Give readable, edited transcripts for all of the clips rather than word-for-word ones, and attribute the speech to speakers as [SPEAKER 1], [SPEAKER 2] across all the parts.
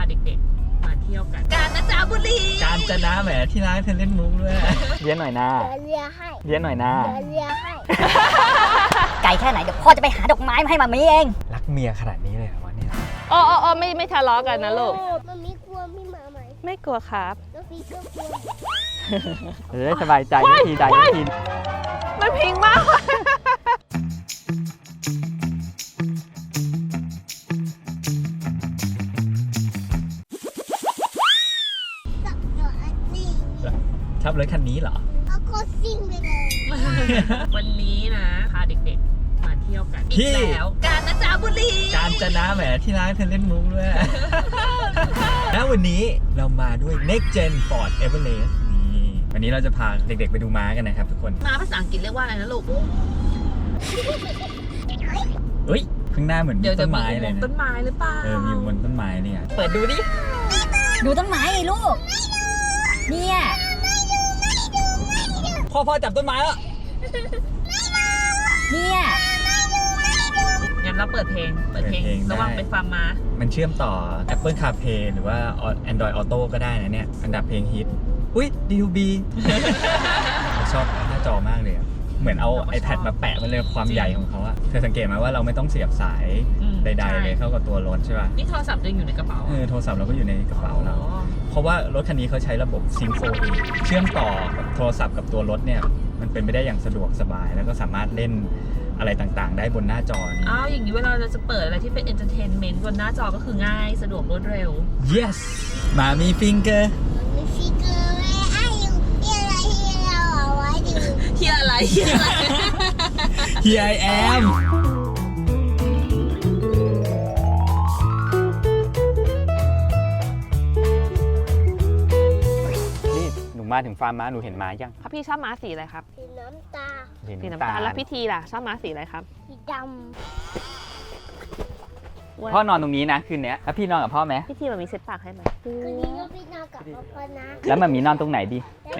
[SPEAKER 1] เด็กๆมาเที่ยวกันกาญจนบุรี
[SPEAKER 2] กาญจนะแหมที่ร้านเธอเล่นมุกด้วยเลี้ยงหน่อยนะ
[SPEAKER 3] เลียให้
[SPEAKER 2] เลี้ยงหน่อยนะ
[SPEAKER 3] เลียให้
[SPEAKER 4] ไกลแค่ไหนเดี๋ยวพ่อจะไปหาดอกไม้มาให้มามีเอง
[SPEAKER 2] รักเมียขนาดนี้เลยเหรอวะเนี่ย
[SPEAKER 5] อ๋อไม่ทะเลาะกันนะลูก
[SPEAKER 3] มันมีกลัวพี่หมาไหม
[SPEAKER 5] ไม่กลัวครับ
[SPEAKER 3] แล้วพี่ก็กลัว
[SPEAKER 2] จะได้สบายใจทีใดที
[SPEAKER 5] มันพิงมาก
[SPEAKER 3] จับตัวอันนี้
[SPEAKER 2] ชอบรถคันนี้เหรอ
[SPEAKER 3] เอาโคซิ่งไปเลย
[SPEAKER 1] วันนี้นะพาเด็กๆมาเที่ยวกันอี
[SPEAKER 2] ที่
[SPEAKER 1] กแล้วกาญจนบุรี
[SPEAKER 2] กาญจนะแหมที่ร้านเธอเล่นมุกด้วยแล้ววันนี้เรามาด้วย Next Gen Ford Everest นี่วันนี้เราจะพาเด็กๆไปดูม้ากันนะครับทุกคน
[SPEAKER 1] มาภาษาอังกฤษเรียกว่าอะไรนะลูก
[SPEAKER 2] เฮ้ยข้างหน้าเหมือน
[SPEAKER 1] เดี๋ยว
[SPEAKER 2] ต้
[SPEAKER 1] จะ
[SPEAKER 2] น
[SPEAKER 1] มี
[SPEAKER 2] ไม้เลย
[SPEAKER 1] ต้น
[SPEAKER 2] นะ
[SPEAKER 1] ไม้หรือเปล่า
[SPEAKER 2] มีบนต้นไม้เนี่ยเปิดดูดิ
[SPEAKER 4] ดูต้นไม้ไงลูก เนี่ย
[SPEAKER 2] พ่อจับต้นไม้แล้ว
[SPEAKER 4] เนี่ย
[SPEAKER 1] งั้นเราเปิดเพลงระหว่างไปฟังมา
[SPEAKER 2] มันเชื่อมต่อ Apple CarPlay หรือว่า Android Auto ก็ได้นะเนี่ย อันดับเพลงฮิตอุ้ย DUB ชอบหน้าจอมากเลยอะเหมือนเอา iPad มาแปะมันเลยความใหญ่ของเขาอะเธอสังเกตไหมว่าเราไม่ต้องเสียบสายใดๆเลยเข้ากับตัวรถใช่ป่ะ
[SPEAKER 1] นี่โทรศัพท์ยังอยู่ในกระเป๋า
[SPEAKER 2] โทรศัพท์เราก็อยู่ในกระเป๋าเรา เพราะว่ารถคันนี้เขาใช้ระบบ Sync 4 เชื่อมต่อกับโทรศัพท์กับตัวรถเนี่ย มันเป็นไปได้อย่างสะดวกสบาย แล้วก็สามารถเล่นอะไรต่างๆ ได้บนหน้าจอนี้
[SPEAKER 1] อ้าวอย่างนี้เวลาเราจะเปิดอะไรที่เป็น entertainment บนหน้าจอก็คือง่ายสะดวกรวดเร็ว
[SPEAKER 2] yes มามีฟิงเกอร์
[SPEAKER 3] มีฟิกเกอร์ไว้อายุที่อะไรที่เราเอาไว้ดู
[SPEAKER 1] เฮียอะไรเฮียอะไร
[SPEAKER 2] Here I am นี่หนูมาถึงฟาร์มม้าหนูเห็นม้ายัง
[SPEAKER 5] ครับพี่ชอบม้าสีอะไรครับ
[SPEAKER 3] สีน้ำตา
[SPEAKER 5] สีน้ำตาลแล้วพี่ทีล่ะชอบม้าสีอะไรครับ
[SPEAKER 3] สีด
[SPEAKER 2] พ่อนอนตรงนี้นะคืนนี้แล้วพี่นอนกับพ่อไหม
[SPEAKER 5] พี่ทีมันมีเซ็ตปากให้ไหม
[SPEAKER 3] ำคืนนี้ก็พี่นอนกับพ่อนะ
[SPEAKER 2] แล้วมันมีนอนตรงไหนดี
[SPEAKER 3] แล้ว
[SPEAKER 2] ไอ้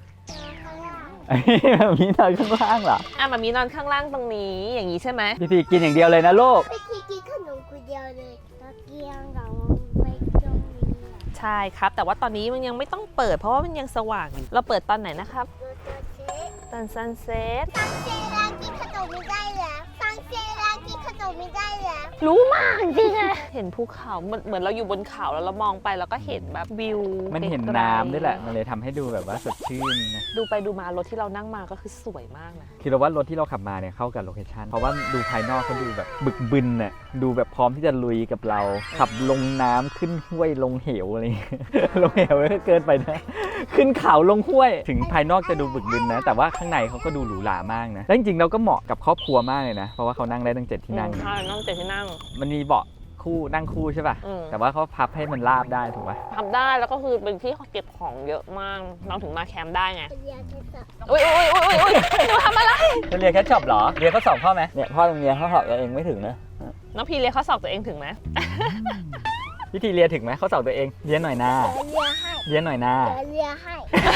[SPEAKER 3] มันมีข้างล่าง
[SPEAKER 2] มันมีนอนข้างล่างเหรอ
[SPEAKER 5] มันมีนอนข้างล่างตรงนี้อย่างนี้ใช่ไหม
[SPEAKER 2] พี่ทีกินอย่างเดียวเลยนะลูก
[SPEAKER 3] พี่ทีกินขนมคนเดียวเลยตะเกียงเราไปตรงนี้อะ
[SPEAKER 5] ใช่ครับ แต่ว่าตอนนี้มันยังไม่ต้องเปิดเพราะว่ามันยังสว่างอยู่เราเปิดตอนไหนนะครับ
[SPEAKER 3] ดูตัวเช็ค
[SPEAKER 5] ตอนซันเซ็ต
[SPEAKER 3] ซังเซรากินขนมไม่ได้แล้วซังเซรากินขนมไม่ได้แล้ว
[SPEAKER 5] รู้มากจริงอะเห็นภูเขาเหมือนเราอยู่บนเขาแล้วเรามองไปแล้วก็เห็นแบบวิว
[SPEAKER 2] มันเห็น
[SPEAKER 5] ไกลๆ
[SPEAKER 2] น้ำด้วยแหละ มันเลยทำให้ดูแบบว่าสดชื่นนะ
[SPEAKER 5] ดูไปดูมารถที่เรานั่งมาก็คือสวยมากนะ
[SPEAKER 2] คือเราว่ารถที่เราขับมาเนี่ยเข้ากับโลเคชันเพราะว่าดูภายนอกเขาดูแบบบึกบึนน่ะดูแบบพร้อมที่จะลุยกับเรา ขับลงน้ำขึ้นห้วยลงเหวอะไรอย่างเงี้ย ลงเหวก็เกินไปนะ ขึ้นเขาลงห้วย ถึงภายนอกจะดูบึกบึนนะ แต่ว่าข้างในเขาก็ดูหรูหรามากนะแล้วจริงๆเราก็เหมาะกับครอบครัวมากเลยนะ เพราะว่าเขานั่งได้ตั้ง7ที่นั่ง
[SPEAKER 5] ใช่นั่งเจ็ดที่นั่ง
[SPEAKER 2] มันมีเบาะคู่นั่งคู่ใช่ป่ะ
[SPEAKER 5] อืม
[SPEAKER 2] แต่ว่าเขาพับให้มันราบได้ถูกป่ะ
[SPEAKER 5] ทำได้แล้วก็คือเป็นที่เก็บของเยอะมากเราถึงมาแคมป์ได้ไง
[SPEAKER 3] เรียนที่สับ
[SPEAKER 5] อุ้ยหนูทำอะไร
[SPEAKER 2] จะเรียนแคชช็อปเหรอ เรียนเขาสอบพ่อไหมเนี่ยพ่อโรงเรียนเขาสอบตัวเองไม่ถึงนะ
[SPEAKER 5] น้องพีเรียนข้อสอบตัวเองถึงไหม
[SPEAKER 2] พิธีเรียนถึงไหมเขาสอบตัวเองเรียนหน่อยนะ
[SPEAKER 3] เลียให้
[SPEAKER 2] เรียนหน่อยนะ
[SPEAKER 3] เลียให้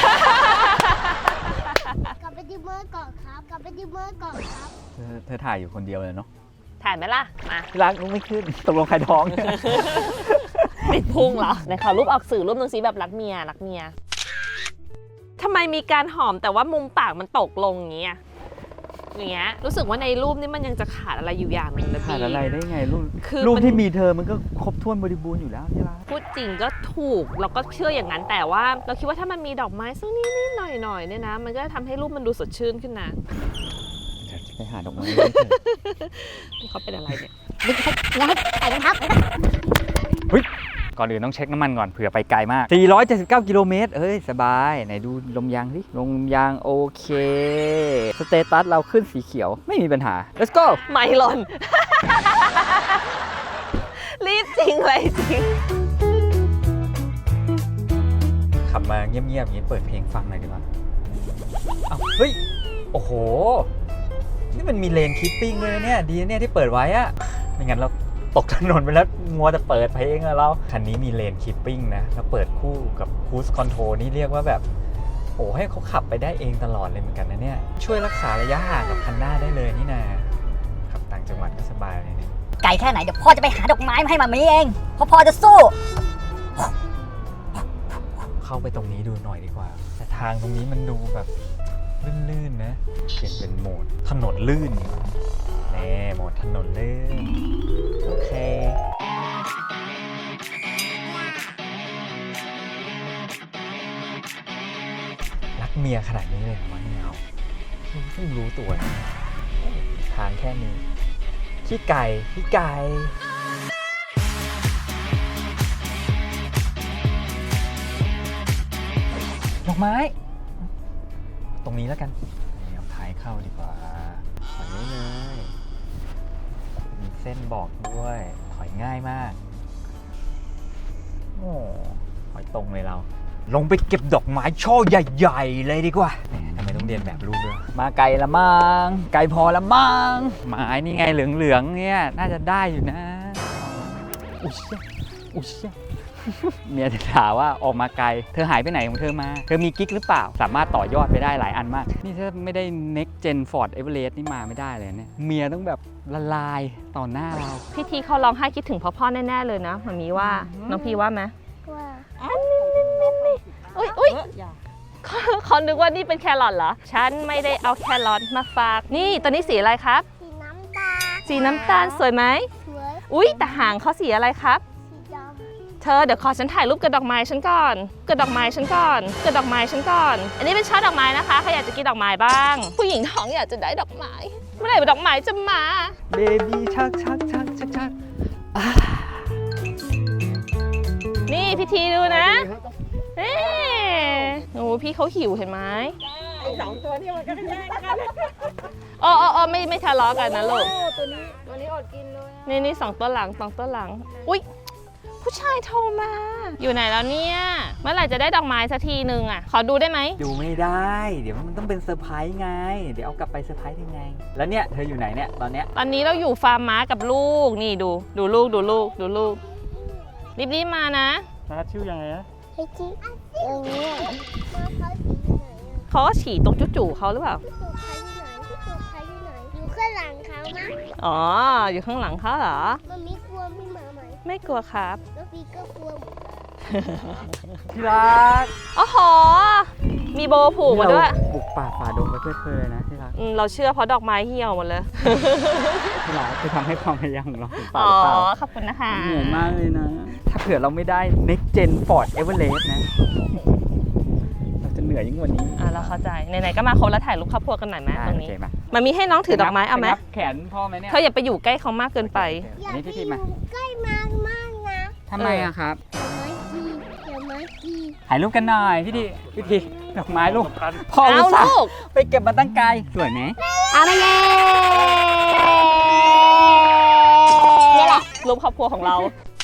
[SPEAKER 3] กลับไปที่เมื่อก่อนครับ กลับไปที่เมื่อก่อนครับ
[SPEAKER 2] เธอถ่ายอยู่คนเดียวเลยเนาะ
[SPEAKER 5] ถ่ายไหมล่ะ มา
[SPEAKER 2] รักนุ้ไม่ขึ้นตกลงใครท้อง
[SPEAKER 5] ติดพุงเหรอไหนขอรูปออกสื่อรูปหนึงสิแบบรักเมียทำไมมีการหอมแต่ว่ามุมปากมันตกลงอย่างเงี้ยรู้สึกว่าในรูปนี้มันยังจะขาดอะไรอยู่อย่างหนึ่งนะ
[SPEAKER 2] ขา
[SPEAKER 5] พี่
[SPEAKER 2] ดอะไรได้ไงรูป
[SPEAKER 5] คือ
[SPEAKER 2] รูป
[SPEAKER 5] มัน
[SPEAKER 2] ที่มีเธอมันก็ครบถ้วนบริบูรณ์อยู่แล้วที่รัก
[SPEAKER 5] พูดจริงก็ถูกเราก็เชื่ออย่างนั้นแต่ว่าเราคิดว่าถ้ามันมีดอกไม้สักนิดๆหน่อยๆเนี่ยนะ มันก็จะทำให้รูปมันดูสดชื่นขึ้นนะ
[SPEAKER 2] ไปหาดอกไม้
[SPEAKER 5] เขาเป็นอะไรเนี่ย
[SPEAKER 3] ใส่รองเท้า
[SPEAKER 2] ก่อนอื่นต้องเช็คน้ำมันก่อนเผื่อไปไกลมาก 479 กิโลเมตรเอ้ย สบาย ไหนดูลมยางดิลมยางโอเค สเตตัสเราขึ้นสีเขียวไม่มีปัญหา let's go
[SPEAKER 5] ไม่หล่น รีบจริงเลยจริง
[SPEAKER 2] ขับมาเงียบๆอย่างนี้เปิดเพลงฟังหน่อยดีกว่าอ้าวเฮ้ย โอ้โห นี่มันมีเลนคิปปิ้งเลยนะเนี่ย ดีนะเนี่ยที่เปิดไว้อะไม่งั้นเราตกถนนไปแล้วมัวแต่เปิดเพลงอะเรา คันนี้มีเลนคิปปิ้งนะ แล้วเปิดคู่กับคูสคอนโทรนี่เรียกว่าแบบโอ้ให้เขาขับไปได้เองตลอดเลยเหมือนกันนะเนี่ย ช่วยรักษาระยะห่างกับคันหน้าได้เลยนี่นะขับต่างจังหวัดก็สบายเลยเนี่ย
[SPEAKER 4] ไกลแค่ไหนเดี๋ยวพ่อจะไปหาดอกไม้มาให้มามีเองเพราะพ่อจะสู้
[SPEAKER 2] างตรงนี้มันดูแบบลื่นๆนะเปลี่ยนเป็นโหมดถนนลื่นแน่โหมดถนนลื่นโอเครักเมียขนาดนี้เลยเหรอวะเนี่ยเอาเพิ่งรู้ตัวนะทางแค่นี้ขี้ไก่ดอกไม้ตรงนี้แล้วกันเอาท้ายเข้าดีกว่าถอยได้เลยมีเส้นบอกด้วยถอยง่ายมากโอ้ถอยตรงเลยเราลงไปเก็บดอกไม้ช่อใหญ่ๆเลยดีกว่าทำไมต้องเรียนแบบลูกด้วยมาไกลละมังไกลพอละมังไม้นี่ไงเหลืองๆเนี่ยน่าจะได้อยู่นะอุ๊ยเชี่ยเมียจะถามว่าออกมาไกลเธอหายไปไหนของเธอมาเธอมีกิ๊กหรือเปล่าสามารถต่อยอดไปได้หลายอันมากนี่ถ้าไม่ได้ next gen Ford Everest นี่มาไม่ได้เลยเนี่ยเมียต้องแบบละลายต่อหน้าเรา
[SPEAKER 5] พี่ทีเขาร้องไห้คิดถึงพ่อแน่ๆเลยนะมันมีว่าน้องพี่ว่าไหม
[SPEAKER 3] ว่า
[SPEAKER 5] อุ้ยเขานึกว่านี่เป็นแครอทเหรอฉันไม่ได้เอาแครอทมาฝากนี่ตัวนี้สีอะไรครับ
[SPEAKER 3] สีน้ำตาล
[SPEAKER 5] สีน้ำตาลสวยไหม
[SPEAKER 3] สวย
[SPEAKER 5] อุ๊ยแต่หางเขาสีอะไรครับ
[SPEAKER 3] สีดำ
[SPEAKER 5] เธอเดี๋ยวขอฉันถ่ายรูปกับดอกไม้ฉันก่อนกับดอกไม้ฉันก่อนกับดอกไม้ฉันก่อน อันนี้เป็นช่อดอกไม้นะคะใครอยากจะกินดอกไม้บ้าง ผู้หญิงท้องอยากจะได้ดอกไม้เมื่อไหร่ดอกไม้จะมา
[SPEAKER 2] เบบี้ชัก
[SPEAKER 5] นี่พี่ทีดูนะเอ๊โอ้พี่เขาหิวเห็นไหมสองตัวนี่มันก็แย่งกันไม่ทะเลาะกันนะลูกตัวนี้อดกินเลยนี่สองตัวหลังอุ๊ยผู้ชายโทรมา อยู่ไหนแล้วเนี่ยเมื่อไหร่จะได้ดอกไม้สักทีนึงอ่ะขอดูได้ไหม
[SPEAKER 2] ดูไม่ได้เดี๋ยวมันต้องเป็นเซอร์ไพรส์ไงเดี๋ยวเอากลับไปเซอร์ไพรส์ยังไงแล้วเนี่ยเธออยู่ไหนเนี่ยตอนเนี้ย
[SPEAKER 5] ตอนนี้เราอยู่ฟาร์มม้ากับลูกนี่ดูลูกรีบมานะ
[SPEAKER 2] ชื่อยังไงนะ
[SPEAKER 3] ไอ้ที่อย่างนี้มาเขาสีไหน
[SPEAKER 5] เขาก็ฉี่ตรงจู่ๆเขาหรือเปล่า
[SPEAKER 3] พี่ตู่ใครที่ไหนอยู่ข้างหลังเขานะ
[SPEAKER 5] อ๋ออยู่ข้างหลังเขาเหรอ
[SPEAKER 3] มันมีกลัวพี่หมาไหม
[SPEAKER 5] ไม่กลัวครับ
[SPEAKER 3] แล้วพี่ก็กลัวหมด
[SPEAKER 2] ที่รัก
[SPEAKER 5] โอ้โหมีโบผูกมาด้วย
[SPEAKER 2] บุกป่าฝ่าดงไปเพื่อเธอนะที่รัก
[SPEAKER 5] เราเชื่อเพราะดอกไม้เหี่ยวหมดเลย
[SPEAKER 2] ที่รักจะทำให้ความพยายามของเราถึงเป
[SPEAKER 5] อ๋
[SPEAKER 2] ล่า
[SPEAKER 5] อ
[SPEAKER 2] หรือเปล่า
[SPEAKER 5] ขอบคุณนะคะ
[SPEAKER 2] เหนื่อยมากเลยนะถ้าเผื่อเราไม่ได้ next gen Ford Everest นะเราจะเหนื่อยยิ่งกว่านี้
[SPEAKER 5] เราเข้าใจไหนๆก็มาครบแล้วถ่ายรูปครอบครัวกันหน่อยไหมตรงนี้
[SPEAKER 2] โอเคมา
[SPEAKER 5] มันมีให้น้องถือดอกไม้เอาไหม
[SPEAKER 2] ปนับแขนพ่อไหมเนี่ย
[SPEAKER 5] เธออย่าไปอยู่ใกล้เขามากเกินไป
[SPEAKER 3] อย่า
[SPEAKER 2] นี่
[SPEAKER 3] ไป
[SPEAKER 2] พี่
[SPEAKER 3] อ
[SPEAKER 2] ทีมา
[SPEAKER 3] ยู่ใกล้มากนะ
[SPEAKER 2] ทำไมอะครับ
[SPEAKER 3] เดี๋ยวมากี
[SPEAKER 2] ถ่ายรูปกันหน่อยพี่ทีดอกไม้ลูกพ่อ
[SPEAKER 5] เอา
[SPEAKER 2] อุตส่าห์
[SPEAKER 5] ลูก
[SPEAKER 2] ไปเก็บมาตั้งไกลสวยไหม
[SPEAKER 4] เอามาเย้
[SPEAKER 5] นี่แหละรูปครอบครัวของเรา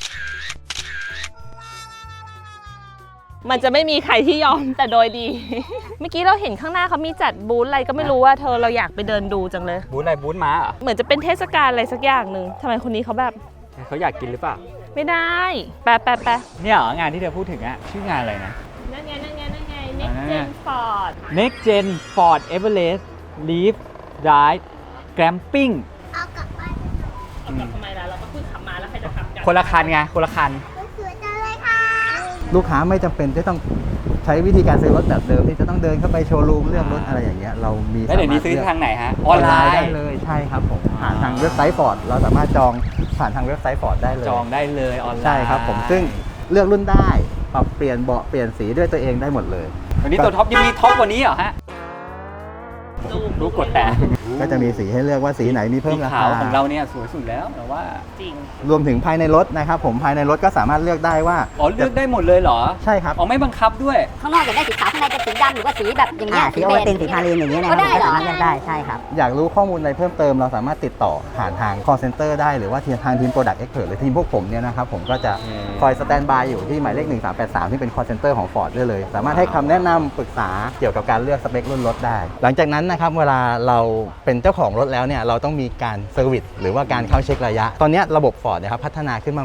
[SPEAKER 5] มันจะไม่มีใครที่ยอมแต่โดยดี เมื่อกี้เราเห็นข้างหน้าเขามีจัดบูธอะไรก็ไม่รู้ว่าเธอเราอยากไปเดินดูจังเลย
[SPEAKER 2] บูธอะไรบูธม้าเหรอ
[SPEAKER 5] เหมือนจะเป็นเทศกาลอะไรสักอย่างหนึ่งทำไมคนนี้เขาแบบ
[SPEAKER 2] เขาอยากกินหรือเปล่า
[SPEAKER 5] ไม่ได้แปะ
[SPEAKER 2] เนี่ยเหรองานที่เธอพูดถึงอะชื่องานอะไรนะ
[SPEAKER 5] นั่นไง Next Gen Ford
[SPEAKER 2] Next Gen Ford Everest Leaf Drive Glamping
[SPEAKER 3] เอากลับบ้าน
[SPEAKER 5] เอากลับทำไมล่ะเราก็ขึ้นขับมาแล้วใครจะขับกัน
[SPEAKER 2] คนละคันไงคนละคัน
[SPEAKER 3] สวยจังเลยค่ะ
[SPEAKER 6] ลูกค้าไม่จำเป็นจะต้องใช้วิธีการซื้อรถแบบเดิมที่จะต้องเดินเข้าไปโชว์รูมเลือกรถอะไรอย่างเงี้ยเรามี
[SPEAKER 2] แล้วเดี๋ยวนี้ซื้อทางไหนฮะออนไลน์
[SPEAKER 6] ได้เลยใช่ครับผมผ่านทางเว็บไซต์ฟอร์ดเราสามารถจองผ่านทางเว็บไซต์ฟอร์ดได้เลย
[SPEAKER 2] จองได้เลยออนไลน์
[SPEAKER 6] ใช่ครับผมซึ่งเลือกรุ่นได้ปรับเปลี่ยนเบาะเปลี่ยนสีด้วยตัวเองได้หมดเลย
[SPEAKER 2] วันนี้ตัวท็อปยังมีท็อปกว่านี้เหรอฮะรู้กดแต่
[SPEAKER 6] ก็จะมีสีให้เลือกว่าสีไหนมีเพิ่มรา
[SPEAKER 2] สีขา
[SPEAKER 6] คาว
[SPEAKER 2] ของเราเนี่ยสวยสุดแล้วแต่ว่า
[SPEAKER 5] จริง
[SPEAKER 6] รวมถึงภายในรถนะครับผมภายในรถก็สามารถเลือกได้ว่า
[SPEAKER 2] อ๋อเลือกได้หมดเลยเหรอ
[SPEAKER 6] ใช่ครับ
[SPEAKER 2] อ๋อไม่บังคับด้วย
[SPEAKER 4] ข้างนอกอยากได้สีขาวข้างในจะสีดำหรือว่าสีแบบอย่างเงี้ย
[SPEAKER 7] สีโอวัลตินสีพาลีนอย่างเงี้ยนะค
[SPEAKER 4] ก็
[SPEAKER 7] รับ
[SPEAKER 4] ได้เหรอ
[SPEAKER 7] สามารถเลือกได้ใช่ครับ
[SPEAKER 6] อยากรู้ข้อมูลอะไรเพิ่มเติมเราสามารถติดต่อผ่านทาง call center ได้หรือว่าทางทีม Product Expert หรือทีมพวกผมเนี่ยนะครับผมก็จะคอยสแตนบายอยู่ที่หมายเลข 1383 ที่เป็น call center ของ Ford ได้เลย สามารถให้คำแนะนำปรึกษาเกี่ยวกับการเลือกสเปครุ่นรถได้ หลังจากนั้นนะครับเวลาเราเป็นเจ้าของรถแล้วเนี่ยเราต้องมีการเซอร์วิสหรือว่าการเข้าเช็คระยะ ตอนนี้ระบบ Ford นะครับพัฒนาขึ้นมาใหม่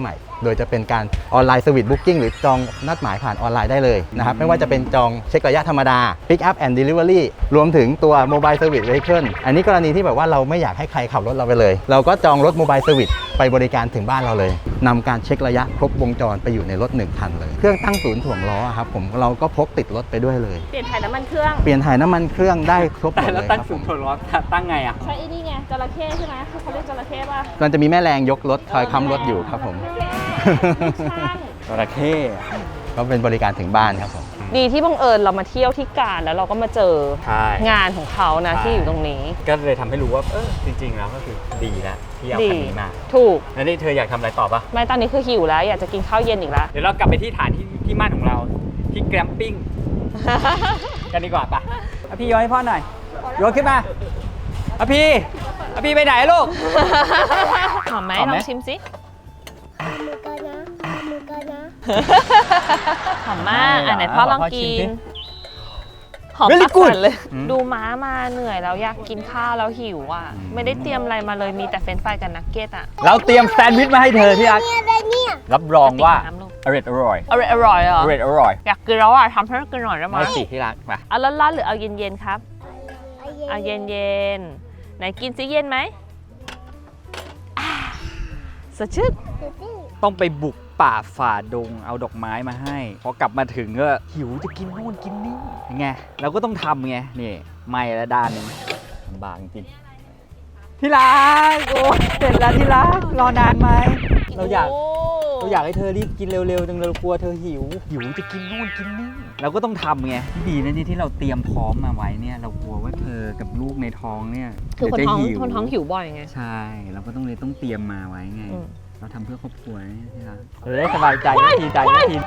[SPEAKER 6] โดยจะเป็นการออนไลน์สวิตบุ๊กิ้งหรือจองนัดหมายผ่านออนไลน์ได้เลยนะครับไม่ว่าจะเป็นจองเช็คระยะธรรมดา Pick up and Delivery รวมถึงตัว Mobile Service Vehicle อันนี้กรณีที่แบบว่าเราไม่อยากให้ใครขับรถเราไปเลย เราก็จองรถ Mobile Service ไปบริการถึงบ้านเราเลยนำการเช็คระยะครบวงจรไปอยู่ในรถ1คันเลยเครื่องตั้งศูนย์ถ่วงล้อครับผมเราก็พกติดรถไปด้วยเลย
[SPEAKER 5] เปลี่ยนถ่ายน้ำมันเครื่อง
[SPEAKER 6] เปลี่ยนถ่ายน้ำมันเครื่องได้ครบหม
[SPEAKER 2] แต่
[SPEAKER 6] ด
[SPEAKER 2] แล้
[SPEAKER 6] เล
[SPEAKER 2] วย ตั้ง
[SPEAKER 6] ครับ
[SPEAKER 2] ศู
[SPEAKER 6] ผ
[SPEAKER 2] น
[SPEAKER 6] ม
[SPEAKER 2] ย์ถ่วงล้อตั้งไงอ่ะ
[SPEAKER 5] ใช่ไอ้นี่ไงจระเข้ใช่ไหมคือเขาเรียกจระเข้ป่ะ
[SPEAKER 6] มันจะมีแม่แรงยกรถคอยค้ำรถอยู่ครับผม
[SPEAKER 5] ช่าง
[SPEAKER 2] จระเข้
[SPEAKER 6] ก็เป็นบริการถึงบ้านครับผม
[SPEAKER 5] ดีที่บังเอิญเรามาเที่ยวที่กาญแล้วเราก็มาเจอ
[SPEAKER 2] ใช่
[SPEAKER 5] งานของเขานะ
[SPEAKER 2] ใช่
[SPEAKER 5] ที่อยู่ตรงนี้
[SPEAKER 2] ก็เลยทำให้รู้ว่าจริงๆแล้วก็คือดีแล้วที่เอาคันนี้มา
[SPEAKER 5] ถูก
[SPEAKER 2] แล้วนี่เธออยากทำอะไรต่อปะ
[SPEAKER 5] ไม่ตอนนี้คือหิวแล้ว อยากจะกินข้าวเย็นอีกแล้ว
[SPEAKER 2] เดี๋ยวเรากลับไปที่ฐานที่มั่นของเราที่แกรมปิ้ง กันดีกว่าปะเอาพี่โยนให้พ่อหน่อยโยนขึ้นมาเอาพี่ไปไหนลูก
[SPEAKER 5] หอมไหม
[SPEAKER 2] หอม
[SPEAKER 5] ล
[SPEAKER 2] ไหม
[SPEAKER 5] องชิมสิ
[SPEAKER 3] มือกันนะมือกันนะ
[SPEAKER 5] หอมมากไหนพ่อลองกิน หอม
[SPEAKER 2] Very
[SPEAKER 5] ปาก
[SPEAKER 2] good
[SPEAKER 5] สั่นเลย
[SPEAKER 2] อืม
[SPEAKER 5] ดูม้ามาเหนื่อยแล้วอยากกินข้าวแล้วหิวอ่ะ ไม่ได้เตรียมอะไรมาเลยมีแต่เฟรนช์ฟรายกับนักเก็ตอ่ะ
[SPEAKER 2] เราเตรียมแซนด์วิชมาให้เธอที่รัก
[SPEAKER 3] เนี่ยอะไรเนี่ย
[SPEAKER 2] รับรองว่า
[SPEAKER 5] ติดน้ำลูก
[SPEAKER 2] อร่อยอร่อย
[SPEAKER 5] อร่อยเหรอ
[SPEAKER 2] อร่อย
[SPEAKER 5] อยากกินแล้วอ่ะทำให้กินหน่อยได้ไหม
[SPEAKER 2] ไม่สิที่รักมา
[SPEAKER 5] เอาร้อนๆหรือเอาเย็นๆครับ เอาเย็นๆ ไหนกินซิเย็นไหมอ่าสดชื่น
[SPEAKER 2] ต้องไปบุกป่าฝ่าดงเอาดอกไม้มาให้พอกลับมาถึงก็หิวจะกินโน่นกินนี่ยังไงเราก็ต้องทำไงนี่ไม่ละด้านหนึงลำบากจริงที่รักโอ้เสร็จแล้วที่รักรอนานไหมเราอยาก
[SPEAKER 5] โ
[SPEAKER 2] เราอยากให้เธอรีบกินเร็วๆจังเลยเรากลัวเธอหิวจะกินโน่นกินนี่เราก็ต้องทำไงดีนะนี่ที่เราเตรียมพร้อมมาไว้เนี่ยเรากลัวว่าเธอกับลูกในท้องเนี่ย
[SPEAKER 5] คือคน
[SPEAKER 2] เดี๋ยว
[SPEAKER 5] ท้อง
[SPEAKER 2] จะ
[SPEAKER 5] คนท้องหิวบ่อยไง
[SPEAKER 2] ใช่เราก็ต้องเตรียมมาไว้ไง
[SPEAKER 5] อืม
[SPEAKER 2] เราทำเพื่อครอบครัวนี่ที่รักเราได้สบายใจนาทีใจนาที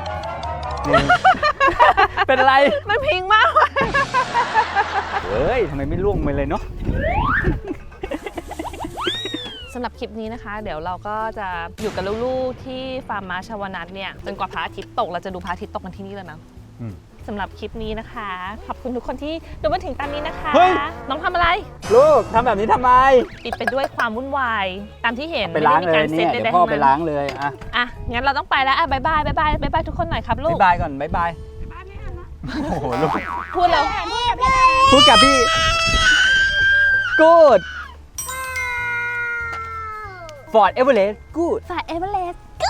[SPEAKER 2] เป็นไร
[SPEAKER 5] มันพิงมาก
[SPEAKER 2] เฮ้ยทำไมไม่ล่วงไปเลยเนาะ
[SPEAKER 5] สำหรับคลิปนี้นะคะ เดี๋ยวเราก็จะอยู่กับลูกๆที่ฟาร์มม้าชาวนัทเนี่ยจนกว่าพระอาทิตย์ตกเราจะดูพระอาทิตย์ตกกันที่นี่เลยนะ
[SPEAKER 2] อืม
[SPEAKER 5] สำหรับคลิปนี้นะคะ ขอบคุณทุกคนที่ดูมาถึงตอนนี้นะคะ
[SPEAKER 2] เฮ้ย
[SPEAKER 5] น้องทำอะไร
[SPEAKER 2] ลูกทำแบบนี้ทำไม
[SPEAKER 5] ปิดไปด้วยความวุ่นวายตามที่เห็น
[SPEAKER 2] ไปล้าง
[SPEAKER 5] ม่
[SPEAKER 2] เล
[SPEAKER 5] ด้
[SPEAKER 2] ย
[SPEAKER 5] มี
[SPEAKER 2] เนี่ย
[SPEAKER 5] การ
[SPEAKER 2] เดี๋ยว
[SPEAKER 5] ซ็ต
[SPEAKER 2] พ่อ
[SPEAKER 5] ใดๆ
[SPEAKER 2] ไป
[SPEAKER 5] ทั้งนั้น
[SPEAKER 2] ล้างเลยอ่ะ
[SPEAKER 5] อ่ะงั้นเราต้องไปแล้วอ่ะบายบายบายบายบายบายทุกคนหน่อยครับลูก
[SPEAKER 2] บ๊ายบายก่อนบ๊ายบายโอ้โหลูก
[SPEAKER 5] พูดแล้ว
[SPEAKER 2] พูดกับพี่ good Ford Everest good
[SPEAKER 5] ฝ่ายเอเวอเรสต์